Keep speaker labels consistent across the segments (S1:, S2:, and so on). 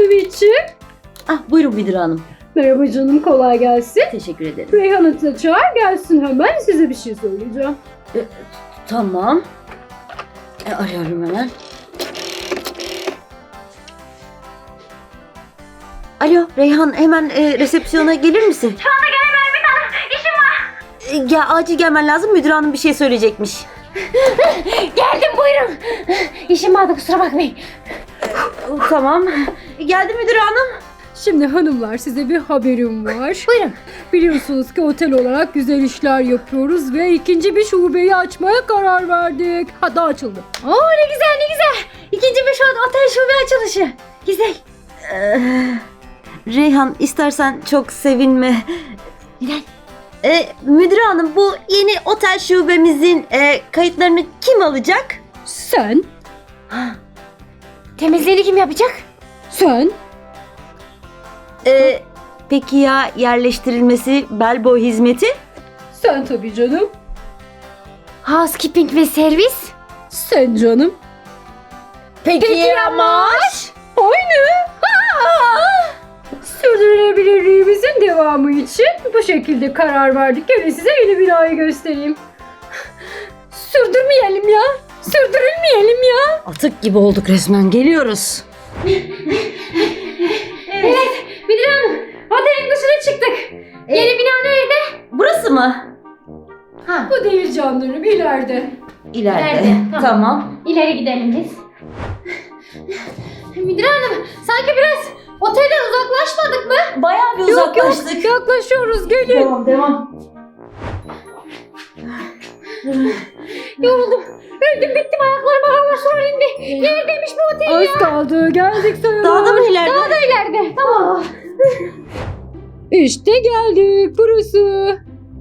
S1: Ümit'ciğim.
S2: Ah, buyurun müdür hanım.
S1: Merhaba canım, kolay gelsin.
S2: Teşekkür ederim.
S1: Reyhan'ı da çağır gelsin, hemen size bir şey söyleyeceğim.
S2: Tamam. Arıyorum hemen. Alo Reyhan, hemen resepsiyona gelir misin?
S3: Şu anda gelemem bir tane. İşim var.
S2: Ya acil gelmen lazım, müdür hanım bir şey söyleyecekmiş.
S3: Geldim, buyurun. İşim vardı, kusura bakmayın.
S2: Tamam. Geldi müdür hanım.
S1: Şimdi hanımlar, size bir haberim var.
S3: Buyurun.
S1: Biliyorsunuz ki otel olarak güzel işler yapıyoruz ve ikinci bir şubeyi açmaya karar verdik. Hatta açıldı.
S3: Oo, ne güzel ne güzel. İkinci bir otel şube açılışı. Güzel.
S2: Reyhan, istersen çok sevinme.
S3: Neden?
S2: Müdür hanım, bu yeni otel şubemizin kayıtlarını kim alacak?
S1: Sen,
S3: Temizliğini kim yapacak?
S1: sen,
S2: Peki ya yerleştirilmesi, bellboy hizmeti?
S1: sen tabii canım.
S3: Housekeeping ve servis.
S1: Sen canım.
S2: Peki
S3: ya maaş?
S1: Aynı. Sürdürülebilirliğimizin devamı için bu şekilde karar verdik. Gelin size yeni binayı göstereyim. Sürdürmeyelim ya. Sürdürülmeyelim ya.
S2: Atık gibi olduk resmen, geliyoruz.
S3: Evet, müdür hanım. Otelin dışına çıktık. Yeni bina nerede?
S2: Burası mı?
S1: Bu değil canlarım, ileride.
S2: İleride.
S3: İleride, tamam.
S2: Tamam.
S3: İleri gidelim biz. Müdür hanım, sanki biraz otelden uzaklaşmadık mı?
S2: Bayağı bir uzaklaştık.
S1: Yaklaşıyoruz, gelin.
S2: Devam, devam.
S3: Yoruldum. Öldüm bittim, ayaklarıma hava sular indi. Neredeymiş bu otel
S1: Az
S3: ya?
S1: kaldı, geldik sayılır.
S2: Daha da mı ileride?
S3: Daha da ileride. Tamam.
S1: İşte geldik, burası.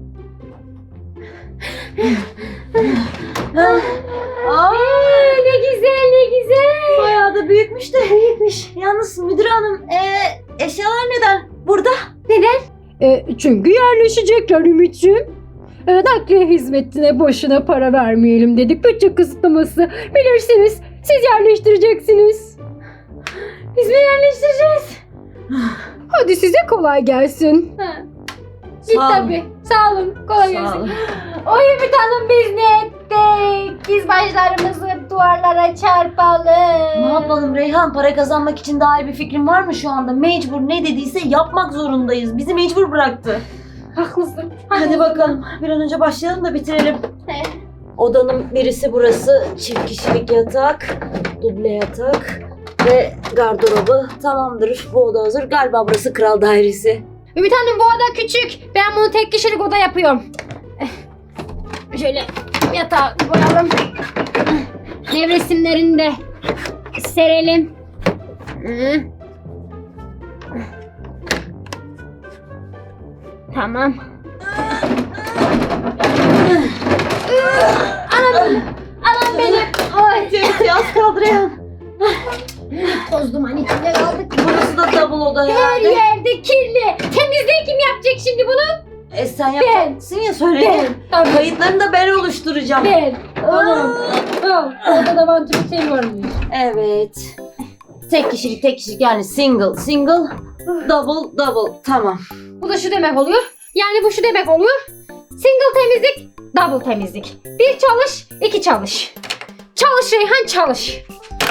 S3: Ne güzel ne güzel.
S2: Bayağı da büyükmüş de. Büyükmüş. Yalnız müdür hanım, eşyalar neden burada?
S3: Neden?
S1: Çünkü yerleşecekler Ümit'ciğim. Nakliye hizmetine boşuna para vermeyelim dedik. Bütçe kısıtlaması. Bilirsiniz, siz yerleştireceksiniz.
S3: Biz mi yerleştireceğiz?
S1: Hadi size kolay gelsin.
S3: Git
S2: Sağ olun.
S3: tabii. Sağ olun. Kolay
S2: Sağ
S3: gelsin.
S2: olun.
S3: Oy Ümit Hanım, biz ne ettik? Biz başlarımızı duvarlara çarpalım.
S2: Ne yapalım Reyhan? Para kazanmak için daha iyi bir fikrin var mı şu anda? Mecbur, ne dediyse yapmak zorundayız. Bizi mecbur bıraktı.
S3: Haklısın.
S2: Hadi bakalım. Bir an önce başlayalım da bitirelim.
S3: He.
S2: Odanın birisi burası. Çift kişilik yatak, duble yatak ve gardırobu. Tamamdır. Bu oda hazır. Galiba burası kral dairesi.
S3: Ümit Hanım, bu oda küçük. Ben bunu tek kişilik oda yapıyorum. Şöyle yatağı koyalım. Nevresimlerini de serelim. Tamam. Anam benim. Ay.
S2: Temiz az kaldı Reyhan.
S3: Toz duman içinde kaldık.
S2: Burası da double oda
S3: Her
S2: herhalde.
S3: yerde kirli. Temizliği kim yapacak şimdi bunu?
S2: Sen yapacaksın ya, söyledim.
S3: Tamam.
S2: Kayıtlarını da ben oluşturacağım.
S3: Ben. Tamam. Tamam. Orada vantilatör şey var mı?
S2: Evet. Tek kişilik yani single, double. Tamam.
S3: Bu da şu demek oluyor. Yani bu şu demek oluyor. Single temizlik, double temizlik. Bir çalış, iki çalış. Çalış Reyhan, çalış.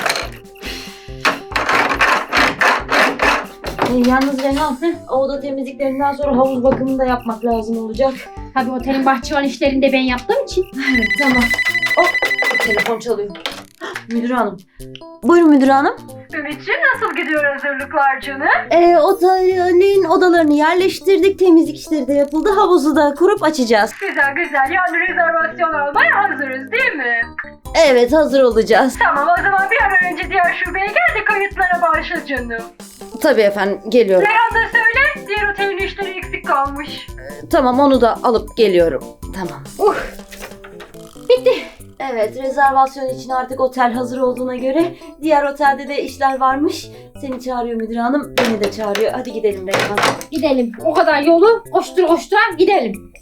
S2: Yalnız Reyhan, o oda temizliklerinden sonra havuz bakımını da yapmak lazım olacak.
S3: Tabii otelin bahçıvan işlerini de ben yaptığım için.
S2: Evet, tamam. Hop, telefon çalıyor. Müdür hanım. Buyurun müdür hanım.
S1: Ümit'ciğim, nasıl gidiyor hazırlıklar canım?
S2: Otelin odalarını yerleştirdik, temizlik işleri de yapıldı, havuzu da kurup açacağız.
S1: Güzel güzel, yani rezervasyon almaya hazırız değil mi?
S2: Evet, hazır olacağız.
S1: Tamam, o zaman bir an önce diğer şubeye gel de kayıtlara başla canım.
S2: Tabii efendim, geliyorum.
S1: Reyhan da söyle, diğer otelin işleri eksik kalmış.
S2: Tamam, onu da alıp geliyorum. Tamam.
S3: Bitti.
S2: Evet, rezervasyon için artık otel hazır olduğuna göre diğer otelde de işler varmış. Seni çağırıyor müdür hanım, beni de çağırıyor. Hadi gidelim Reyhan.
S3: Gidelim. O kadar yolu koştura koştura gidelim.